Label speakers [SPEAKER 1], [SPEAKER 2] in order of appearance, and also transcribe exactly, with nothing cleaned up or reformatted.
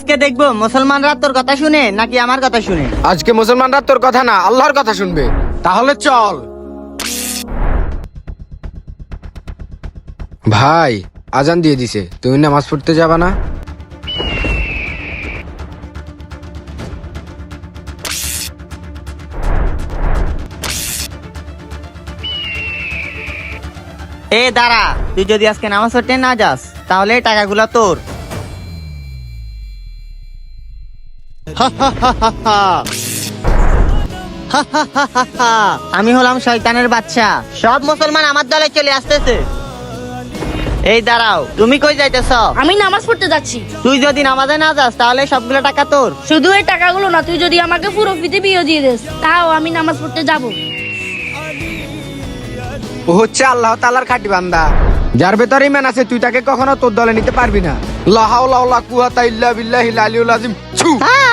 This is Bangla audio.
[SPEAKER 1] আজকে দেখবো মুসলমানরা তোর কথা শুনে নাকি আমার কথা শুনে।
[SPEAKER 2] আজকে মুসলমানরা তোর কথা না আল্লাহর কথা শুনবে। তাহলে চল ভাই, আজান দিয়ে দিছে, তুমি নামাজ পড়তে যাবা না?
[SPEAKER 1] এ দাঁড়া, তুই যদি আজকে নামাজ পড়তে না যাস তাহলে এই টাকাগুলো তোর। আমি হলাম শয়তানের বাচ্চা, সব মুসলমান আমার দলে চলে আসতেছে। এই দাঁড়াও, তুমি কই যাইতেছ?
[SPEAKER 3] আমি নামাজ পড়তে যাচ্ছি।
[SPEAKER 1] তুই যদি নামাজে না যাস তাহলে সবগুলো টাকা তোর।
[SPEAKER 3] শুধু এই টাকাগুলো না, তুই যদি আমাকে পুরো পৃথিবীও দিয়ে দিস তাও আমি নামাজ পড়তে যাব।
[SPEAKER 2] ও হচ্ছে আল্লাহ তাআলার খাঁটি বান্দা, যার ভেতরে ঈমান আছে তুই তাকে কখনো তোর দলে নিতে পারবি না। লা হাওলা ওয়ালা কুওয়াতা ইল্লা বিল্লাহিল আলিয়্যিল আযীম। ছু।